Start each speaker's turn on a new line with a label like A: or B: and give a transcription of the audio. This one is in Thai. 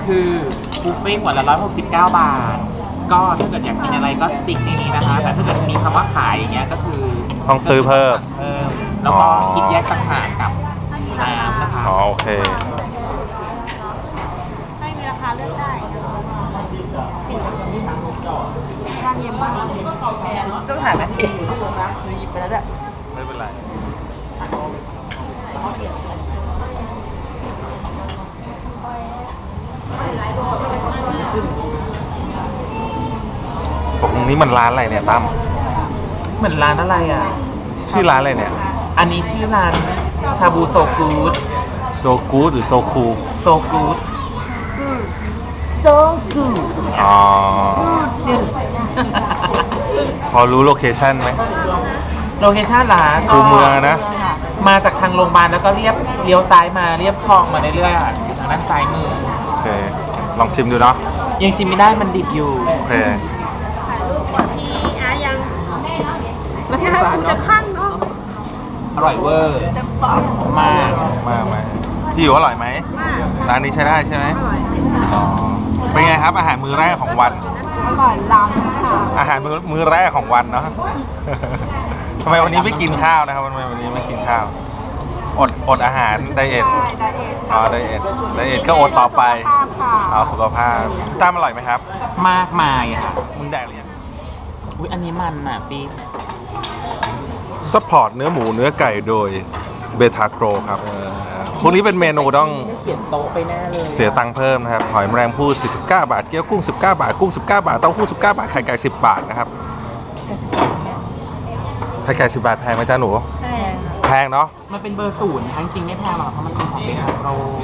A: คือบุฟเฟ่ต์หัวละ169 บาทก็ถ้าเกิดอยากกินอะไรก็ติ๊กในนี้นะคะแต่ถ้าเกิดมีคำว่าขายอย่างเงี้ยก็คือ
B: ต้องซื้อเพิ่ม
A: แล้วก็คิดแยกต่างหากกับน้ำนะคะ
B: อ๋อโอเค
C: ไม่มีราคาเลือกได้ร้านเย็นบ้างต้องถ่ายไหมหรือหยิบไปแล้วด้วย
B: ไม่เป็นไรตรงนี้มันร้านอะไรเนี่ยตั้ม
A: เหมือนร้านอะไรอ่ะ
B: ชื่อร้านอะไรเนี่ย
A: อันนี้ชื่อร้านชาบูโซกูด
B: โซกูดหรือโซคู
A: โซกูดโซกูด
B: อ๋อ พอรู้โลเคชั่นไหม
A: โลเคชั่นร้าน
B: คูเมืองนะ
A: มาจากทางโรงพยาบาลแล้วก็เลี้ยวซ้ายมาเรียบคลองมาเรื่อยๆอ่ะทางด้านซ้ายมือ
B: โอเค ลองชิมดูเนาะ
A: ยังชิมไม่ได้มันดิบอยู่
B: โอเค
C: ถ่ายรูปก่อนที่อายังแล้วที่กูจะขั้นเนาะ
A: อร่อยเวอร์
C: เต็มปาก
A: มาก
B: มาพี่อยู่อร่อยไหม
C: มาก
B: ร้านนี้ใช้ได้ใช่ไหม
C: อร่อย
B: อ๋อ เป็นไงครับ อาหารมื้อแรกของวัน
C: อร่อยล้ำค่ะ
B: อาหารมื้อแรกของวันเนาะ ทำไมวันนี้ไม่กินข้าวนะครับทำไมวันนี้ไม่กินข้าว อดอาหารไดเอท
C: ไดเอท
B: อ๋อไดเอทก็อดต่อไป
C: ภาพค่ะ
B: เอาสุขภาพพี่ตั้มอร่อยไหมครับ
A: มากมายอ่ะ
B: มึงแดกหรือยัง
A: อุ้ยอันนี้มันอ่ะปี
B: ซัพพอร์ตเนื้อหมูเนื้อไก่โดยเบทาโกรครับพวกนี้เป็นเมนูต้อง
A: ไม่เขียนโต๊ะไปแน่เลย
B: เสียตังค์เพิ่มนะครับ หอยแมลงภู่49 บาท เกี๊ยวกุ้ง 19 บาท กุ้ง 19 บาท เต้าหู้ 19 บาท ไข่ไก่ 10 บาทนะครับ ไข่ไก่ 10 บาทแพงไหมจ้าหนู
C: แพง
B: แพงเนาะ
A: มันเป็นเบอร์ 0ทั้งจริงไม่แพงหรอกเพราะมันเป็นของเบทาโกร